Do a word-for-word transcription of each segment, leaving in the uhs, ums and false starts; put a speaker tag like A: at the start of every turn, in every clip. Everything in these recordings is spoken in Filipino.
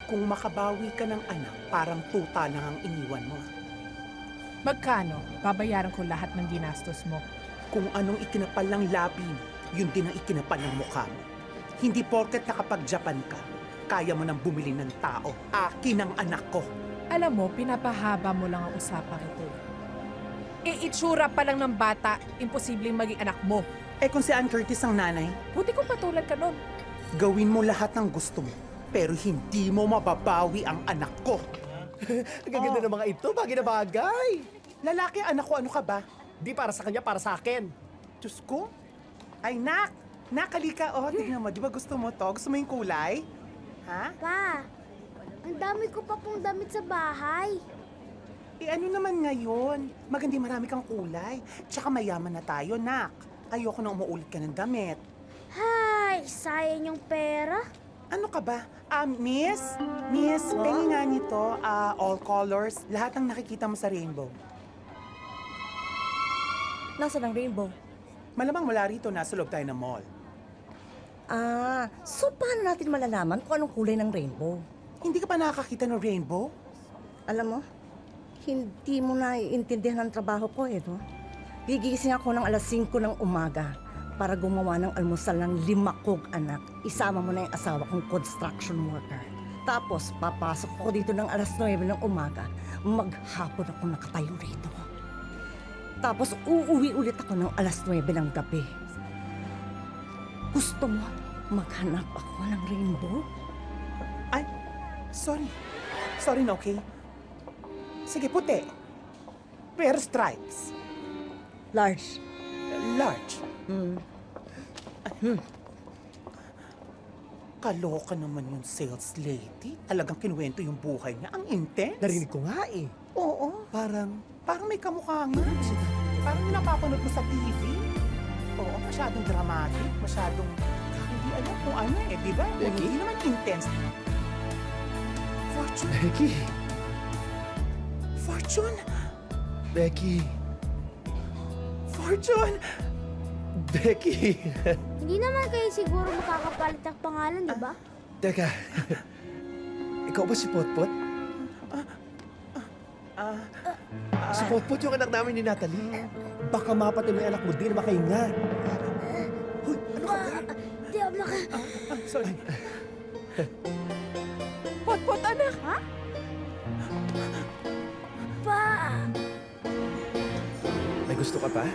A: Kung makabawi ka ng anak, parang tuta lang ang iniwan mo.
B: Magkano? Babayaran ko lahat ng ginastos mo.
A: Kung anong ikinapal ng labi mo, yun din ang ikinapal ng mukha mo. Hindi porket nakapag-Japan ka, kaya mo nang bumili ng tao. Akin ang anak ko.
B: Alam mo, pinapahaba mo lang ang usapang ito. E itsura pa lang ng bata, imposibleng maging anak mo.
A: Eh kung si Ann Curtis ang nanay,
B: Buti kong patulad ka nun.
A: gawin mo lahat ng gusto mo, pero hindi mo mababawi ang anak ko.
C: Ang gaganda ng mga ito, bagay na bagay.
A: Lalaki anak ko, ano ka ba?
C: Di para sa kanya, para sa akin.
A: Diyos ko? Ay, nak! Nakalika, oh, tignan mo. Di ba gusto mo to? Gusto mo yung kulay? Ha?
D: Pa, ang dami ko pa pong damit sa bahay.
A: Eh, ano naman ngayon? Magandi marami kang kulay. Tsaka mayaman na tayo, nak. Ayoko na umuulit ka ng damit.
D: Hay, sayang yung pera.
A: Ano ka ba? Ah, miss? Miss, pengi nga nito. Ah, all colors. Lahat ng nakikita mo sa rainbow.
E: Nasaan ang rainbow?
A: Malamang wala rito. Nasa loob tayo ng mall.
E: Ah, so paano natin malalaman kung anong kulay ng rainbow?
A: Hindi ka pa nakakakita ng rainbow?
E: Alam mo, hindi mo na iintindihan ang trabaho ko eh, no? Gigising ako ng alas singko ng umaga para gumawa ng almusal ng lima kong anak. Isama mo na yung asawa kong construction worker. Tapos, papasok ako dito ng alas nuwebe ng umaga. Maghapon ako nakatayo rito. Tapos, uuwi ulit ako ng alas nuwebe ng gabi. Gusto mo maghanap ako ng rainbow?
A: Ay, sorry. Sorry na, okay? Sige, puti. Pero stripes.
E: Large.
A: Large.
E: Hmm.
A: Kaloka naman yung sales lady. Talagang kinuwento yung buhay niya. Ang intense.
C: Narinig ko nga eh.
A: Oo, parang, parang may kamukha nga. Parang yung napapanood mo sa T V. Oo, masyadong dramatic, masyadong, hindi alam kung ano eh, di ba? Kung
C: Becky?
A: hindi naman intense. Fortune,
C: Becky,
A: Fortune,
C: Becky,
A: Fortune!
C: Becky.
D: Hindi naman kayo siguro makakapalit ng pangalan, di ba?
C: Teka, ikaw ba si Potpot?
A: Ah,
C: Si Potpot yung anak namin ni Natalie. Baka mapatay mo yung anak mo, di na makahinga. Hoy, ano ka ba?
D: Di ako maka...
A: ah, sorry.
B: Pot-pot, anak!
D: Ha? Pa!
C: May gusto ka pa?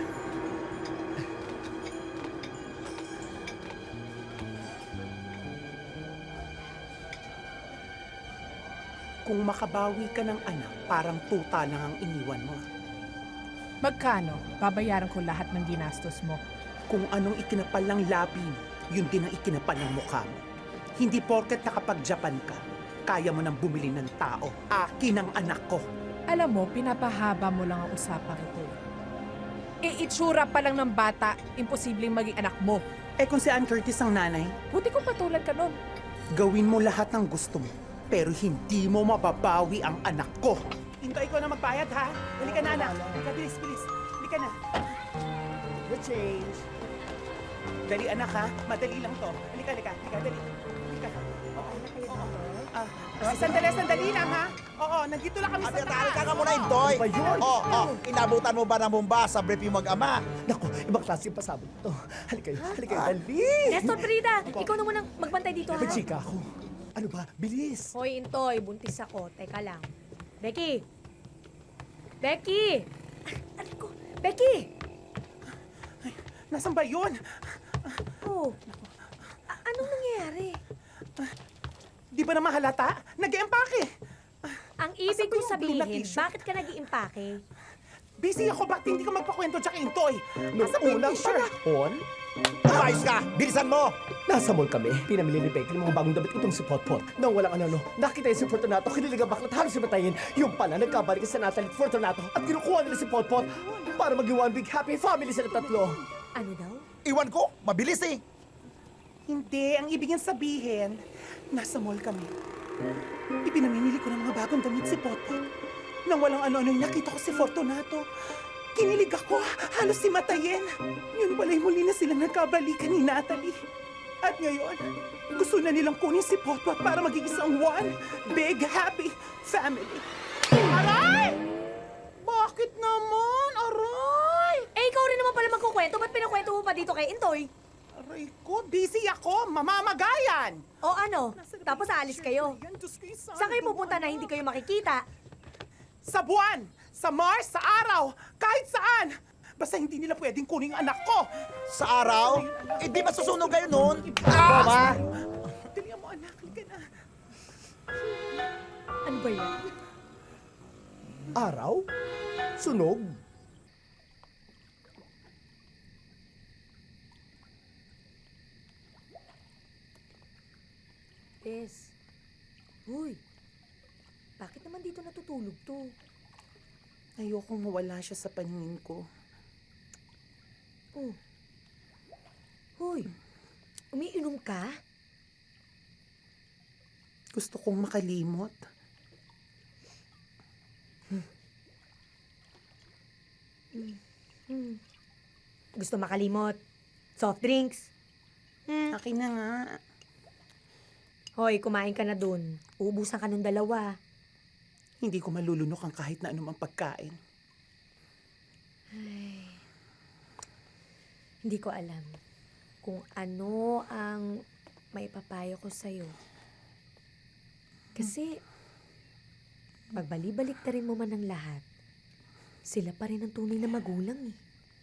A: Kung makabawi ka ng anak, parang tuta lang ang iniwan mo.
B: Magkano? Babayaran ko lahat ng ginastos mo.
A: Kung anong ikinapal ng labi mo, yun din ang ikinapal ng mukha mo. Hindi porket nakapag-Japan ka, kaya mo nang bumili ng tao. Akin ang anak ko.
B: Alam mo, pinapahaba mo lang ang usapang ito. E itsura pa lang ng bata, imposibleng maging anak mo.
A: Eh kung si Ann Curtis ang nanay,
B: Buti kong patulad ka nun.
A: gawin mo lahat ng gusto mo, pero hindi mo mababawi ang anak ko. Hinto, ikaw na magbayad, ha? Dali ka na, anak. Halika, bilis, bilis. Dali ka na.
C: The change.
A: Dali, anak, ha? Madali lang to. Halika, halika. Halika, dali. Halika. Oo, oo. Ah, ah, sandali, sandali lang, ha? Oo, nandito lang kami sa
F: Abi,
A: taas.
F: tali ka ka muna, Intoy.
C: Ano ba yun?
F: Oh, oh, inabutan mo ba ng bomba sa brief yung mag-ama?
C: Naku, ibang klase yung pasabog to. Halika kayo, halika kayo, dali.
G: Nestor Frida, ikaw na munang magbantay dito, ha?
C: May chika ako. Ano ba? Bilis.
G: Hoy, Intoy, buntis ako. Teka lang. Becky! Becky! Aray ko! Becky!
A: Nasaan ba yun?
G: Oh, a- anong nangyayari?
A: Di ba naman halata? Nag-empake.
G: Ang ibig
A: Asan ba
G: kong
A: yung blue na
G: sabihin,
A: tissue?
G: bakit ka nag-iimpake?
A: Busy ako, bakit hindi ka magpakwento tsaka intoy?
C: Noong
A: Nasaan ba yung
C: unang
A: t-shirt?
C: panahon,
F: Umayos ka! Bilisan mo!
C: nasa mall kami. Pinamili ni Becky ng mga bagong damit itong si Potpot. Nang walang ano-ano, nakita niya si Fortunato, kinilig ang baklat, halos si Matayin. Yung pala, nagkabalik sa Natalie at Fortunato at kinukuha nila si Potpot para maging one big happy family sila tatlo.
G: Ano daw?
F: Iwan ko, mabilis eh.
A: Hindi, ang ibig niyang sabihin, nasa mall kami. Ipinamimili ko ng mga bagong damit si Potpot. Nang walang ano-ano, nakita ko si Fortunato. Kinilig ako, halos si Matayen. Yun pala'y muli na sila nagkabalikan ni Natalie. At ngayon, gusto na nilang kunin si Potpot para maging isang one big happy family. Aray! Bakit naman? Aray!
G: Eh, ikaw rin naman pala magkukwento. Ba't pinakwento mo pa dito kay Intoy?
A: Aray ko, busy ako. Mamamagayan.
G: O ano? Tapos aalis kayo.
A: Yan, Diyos ko, isang
G: Saan kayo
A: duwa
G: pupunta na hindi kayo makikita?
A: Sa buwan, sa Mars, sa araw, kahit saan. Basta hindi nila pwedeng kunin ang anak ko.
F: Sa araw? Eh di masusunog kayo nun?
C: Mama!
A: Dali mo, anak. Halika na.
G: Ano ba yan?
C: Araw? Sunog?
G: Tess. Uy. Bakit naman dito natutulog to?
A: Ayokong mawala siya sa paningin ko.
G: Oh. Hoy. Umiinom ka?
A: Gusto kong makalimot.
G: Hmm. Gusto makalimot? Soft drinks? Hmm.
A: Akin na nga.
G: Hoy, kumain ka na dun. Uubusan ka ng dalawa.
A: Hindi ko malulunok ang kahit na anumang pagkain.
G: Hindi ko alam kung ano ang maipapayo ko sa'yo. Kasi, pagbali-balik na rin mo man ang lahat, sila pa rin ang tunay na magulang eh.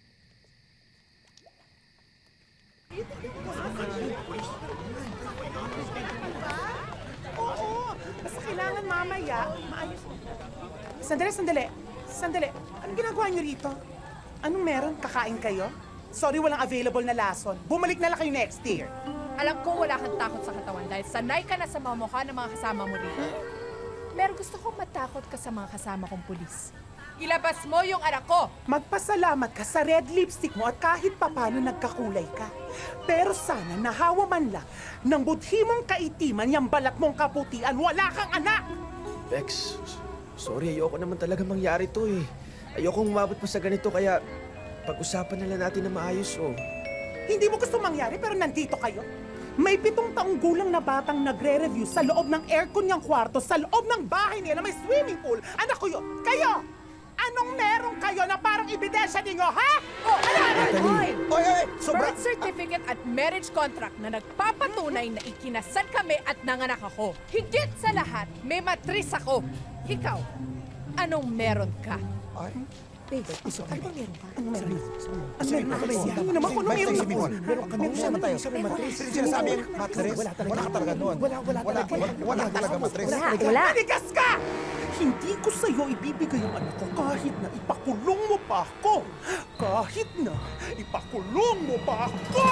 A: Oo, basta kailangan mamaya, maayos. Sandali, sandali. Sandali. Anong ginagawa niyo rito? Anong meron? Kakain kayo? Sorry, walang available na lason. Bumalik na lang kayo next year.
B: Alam ko wala kang takot sa katawan dahil sanay ka na sa mga mukha ng mga kasama mo rito. Pero gusto kong matakot ka sa mga kasama kong pulis. Ilabas mo yung anak ko!
A: Magpasalamat ka sa red lipstick mo at kahit papano nagkakulay ka. Pero sana nahawa man lang ng budhi mong kaitiman yung balat mong kaputian, wala kang anak!
H: Bex, sorry, ayoko naman talaga mangyari to eh. Ayokong umabot pa sa ganito kaya pag-usapan na lang natin na maayos oh.
A: Hindi mo gusto mangyari pero nandito kayo. May pitong taong gulang na batang nagre-review sa loob ng aircon niyang kwarto, sa loob ng bahay niya na may swimming pool. Anak ko yun. Kayo! Anong meron kayo na parang ebidensya ninyo, ha?
B: Oh, ano, ano?
G: Hoy!
F: Oy, oy, sobra!
B: Birth certificate at marriage contract na nagpapatunay na ikinasal kami at nanganak ako. Higit sa lahat, may matris ako. Ikaw, anong meron ka?
F: Ay,
G: Babe, ano bang meron ka?
A: Ano meron? Ano meron?
F: Ano ba yan?
A: Ano naman kung ano
F: Basta
A: meron
F: isipin mo.
A: ako?
F: Meron kami naman tayo. Sinasabi yung matres?
C: Wala talaga.
F: Wala ka talaga noon.
C: Wala, wala
F: Wala,
C: talaga.
F: wala, wala talaga matres.
G: Wala, wala.
A: Manigas ka! Hindi ko sa'yo ibibigay ang anak ko kahit na ipakulong mo pa ako. Kahit na ipakulong mo pa ako!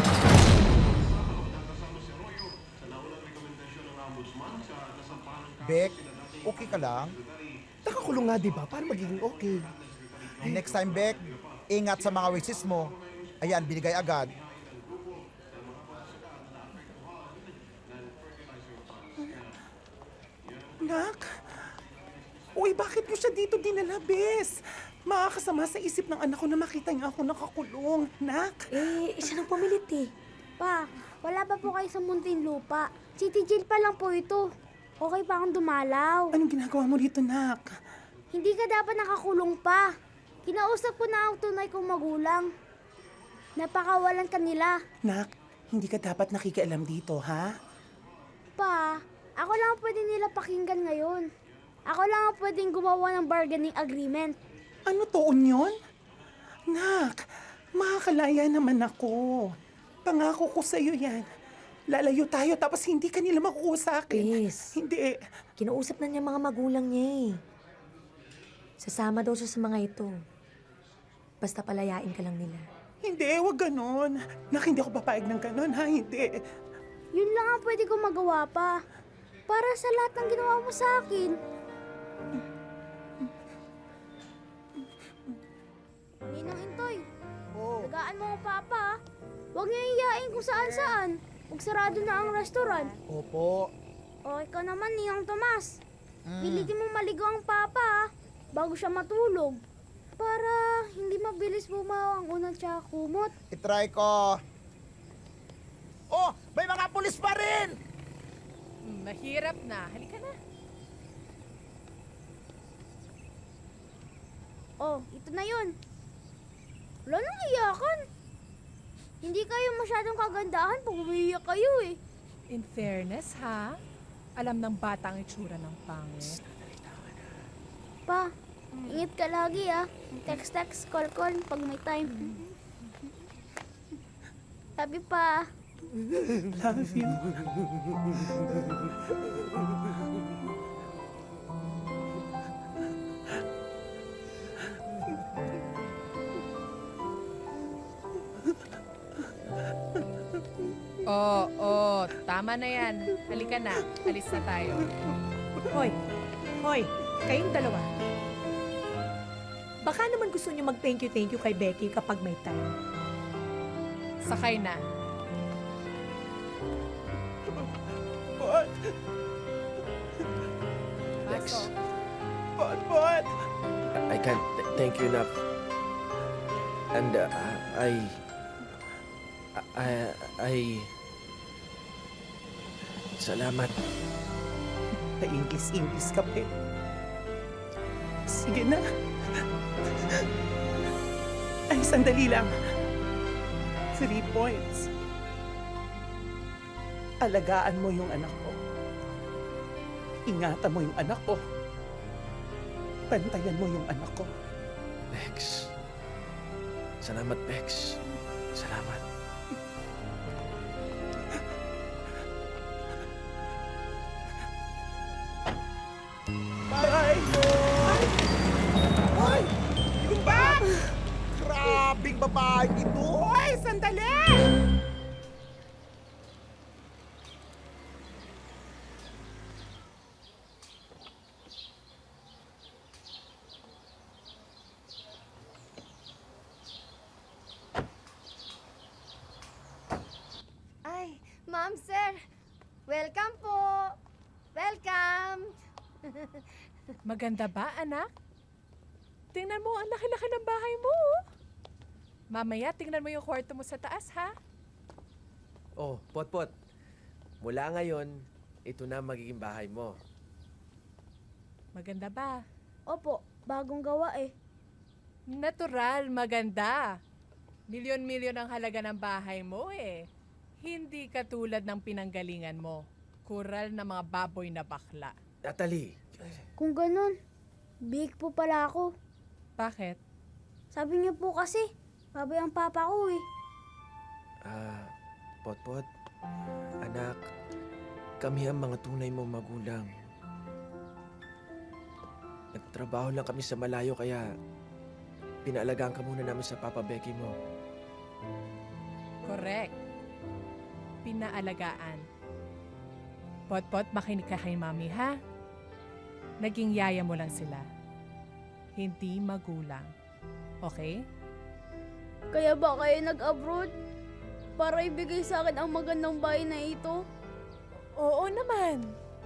F: Beck, okay ka lang?
C: Nakakulong nga, di ba? Para magiging okay.
F: Next time, Beck, ingat sa mga wishes mo. Ayan, binigay agad.
A: Nak? Uy, bakit mo siya dito dinala, bes? Makakasama sa isip ng anak ko na makita niya ako nakakulong. Nak?
G: Eh, siya nang pumilit eh.
D: Pa, wala pa po kayo sa Muntinlupa. City jail pa lang po ito. Okay pa akong dumalaw.
A: Anong ginagawa mo dito, Nak?
D: Hindi ka dapat nakakulong pa. Kinausap ko na ang tunay kong magulang. Napakawalan ka nila.
A: Nak, hindi ka dapat nakikialam dito, ha?
D: Pa, ako lang ang pwede nila pakinggan ngayon. Ako lang ang pwedeng gumawa ng bargaining agreement.
A: Ano toon yun? Nak, makakalaya naman ako. Pangako ko sa'yo yan. Lalayo tayo tapos hindi ka nila makukuha sa akin.
G: Yes.
A: Hindi.
G: Kinausap na niya mga magulang niya eh. Sasama daw siya sa mga ito. Basta palayain ka lang nila.
A: Hindi, wag ganon. Nak, hindi ako papayag ng ganon, ha? Hindi.
D: Yun lang ang pwede kong magawa pa. Para sa lahat ng ginawa mo sa akin. Ninang Intoy,
F: Oh.
D: tagaan mo ang papa. ah. Huwag niyo iyain kung saan-saan. Magsarado na ang restaurant.
F: Opo.
D: O ikaw naman, Ninang Tomas.
F: Mm.
D: Pilitin mo maligo ang papa ah, bago siya matulog. Para hindi mabilis bumawa ang unang tsaka kumot.
F: Itry ko. Oh, may mga pulis pa rin!
B: Mahirap na. Halika na.
D: Oh, ito na yun. Wala nang iyakan. Hindi kayo masyadong kagandahan pag umiiyak kayo eh.
B: In fairness, ha? Alam ng bata ang itsura ng pangit.
D: Pa, ingat ka lagi ah. Text, text, call, call pag may time. Sabi pa.
A: Love you.
B: Oo, oh, tama na yan. Halika na. Alis na tayo.
G: Hoy, hoy, kayong dalawa. Baka naman gusto niyo mag-thank you, thank you kay Becky kapag may time.
B: Sakay na.
A: Pot!
H: Lex,
B: Pasok.
A: Pot, pot!
H: I can't th- thank you enough. And uh, I... I... I... Salamat.
A: Paingis-ingis ka pa eh. Sige na. Ay, sandali lang. Three points. Alagaan mo yung anak ko. Ingatan mo yung anak ko. Bantayan mo yung anak ko.
H: Lex. Salamat, Bex. Salamat.
A: Bye! Hoy! Yung ba?
F: Grabing babae ito!
A: Hoy, sandali!
D: Ay, ma'am, sir. Welcome po. Welcome.
B: Maganda ba, anak? Tingnan mo, ang laki-laki ng bahay mo. oh. Mamaya, tingnan mo yung kwarto mo sa taas, ha?
H: Oh, Potpot. Mula ngayon, ito na magiging bahay mo.
B: Maganda ba?
D: Opo, bagong gawa eh.
B: Natural, maganda. Milyon-milyon ang halaga ng bahay mo, eh. Hindi katulad ng pinanggalingan mo. Kural na mga baboy na bakla.
H: Natalie,
D: Kung ganun, big po pala ako.
B: Bakit?
D: Sabi niyo po kasi, baboy ang papa ko eh.
H: ah, Potpot, anak, kami ang mga tunay mong magulang. Nagtrabaho lang kami sa malayo kaya pinaalagaan ka muna namin sa Papa Becky mo.
B: Correct. Pinaalagaan. Pot-pot, makinig ka kay mami, ha? Naging yaya mo lang sila. Hindi magulang. Okay?
D: Kaya ba kayo nag-abroad? Para ibigay sa akin ang magandang bahay na ito?
B: Oo naman.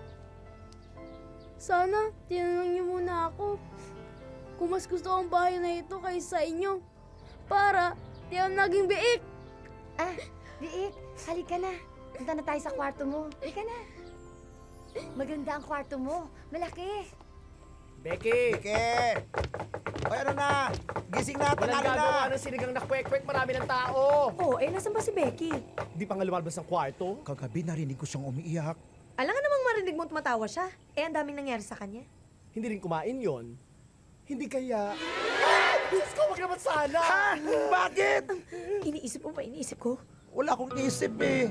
D: Sana, tinanong niyo muna ako kung mas gusto ko ang bahay na ito kaysa sa inyo. Para, di ako naging biik.
I: Ah, Biik, halika na. Punta na tayo sa kwarto mo. Halika na. Maganda ang kwarto mo. Malaki.
H: Becky!
F: Ike! Hoy, ano na? Gising na,
C: Walang
F: tanghali
C: gagawa
F: na!
C: ng sinigang na kwek-kwek, marami ng tao.
G: Oh, eh, nasan ba si Becky?
C: Di pa nga lumalabas ng kwarto.
F: Kagabi narinig ko siyang umiiyak.
G: Alam nga namang marinig mo tumatawa siya. Eh, ang daming nangyari sa kanya.
C: Hindi rin kumain yon. Hindi kaya... Diyos ko, wag naman sana!
F: Ha? Bakit?
G: Iniisip mo ba? Iniisip ko?
F: Wala akong isip eh.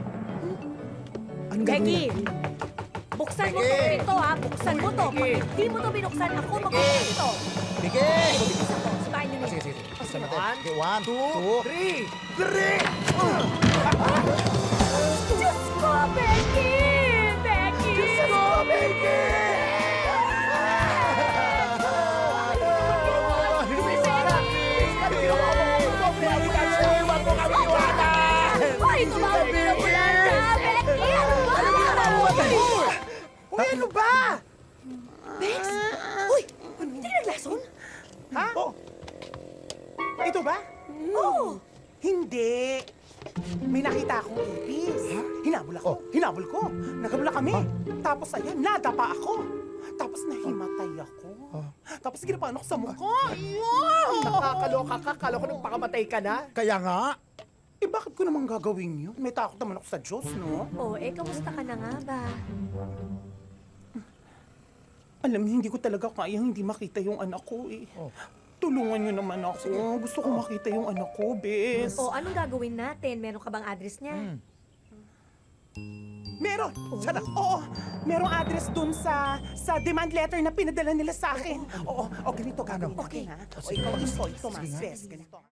F: Anong
G: Becky!
F: gagawin natin?
G: Buksan mo
F: Becky!
G: to ito, ha? Buksan mo to. Pag hindi mo to binuksan, ako magbuksan ito.
F: Bigay!
G: Bilisan to. Subahin niyo
F: Sige,
G: nito.
F: sige.
G: O, sige.
F: Buksan natin.
C: One,
F: Okay, one,
C: two,
F: two,
C: three!
F: three!
D: Diyos ko, Becky! Becky!
F: Diyos ko, Becky!
D: Ay, tumawag na ng ambulansya! Becky! Ano ba?
A: Uy, ano ba?
G: Bex! Uy! Hindi ka naglason?
A: Ha? Oh. Ito ba?
G: Oo!
A: Hindi. May nakita akong ipis. Hinabol ako. Hinabol ko. Nagabula kami. Tapos ayan, nadapa ako. Tapos nahimatay ako. Tapos ginapaano ko sa mukha. Ew!
C: Nakakaloka ka, kala ko nang pakamatay ka na.
F: Kaya nga,
A: Eh bakit ko naman gagawin yun? May takot naman ako sa Diyos, no?
G: Oh, eh, kamusta ka na nga ba?
A: Alam niyo, hindi ko talaga kaya hindi makita yung anak ko eh. Tulungan niyo naman ako. Gusto ko makita yung anak ko, bes.
G: Oh, anong gagawin natin? Meron ka bang address niya?
A: Meron! Sana? Oo, merong address dun sa sa demand letter na pinadala nila sa akin. Oo, o ganito gagawin natin, ha? O ikaw, ito, ito, mas, bes, ganito.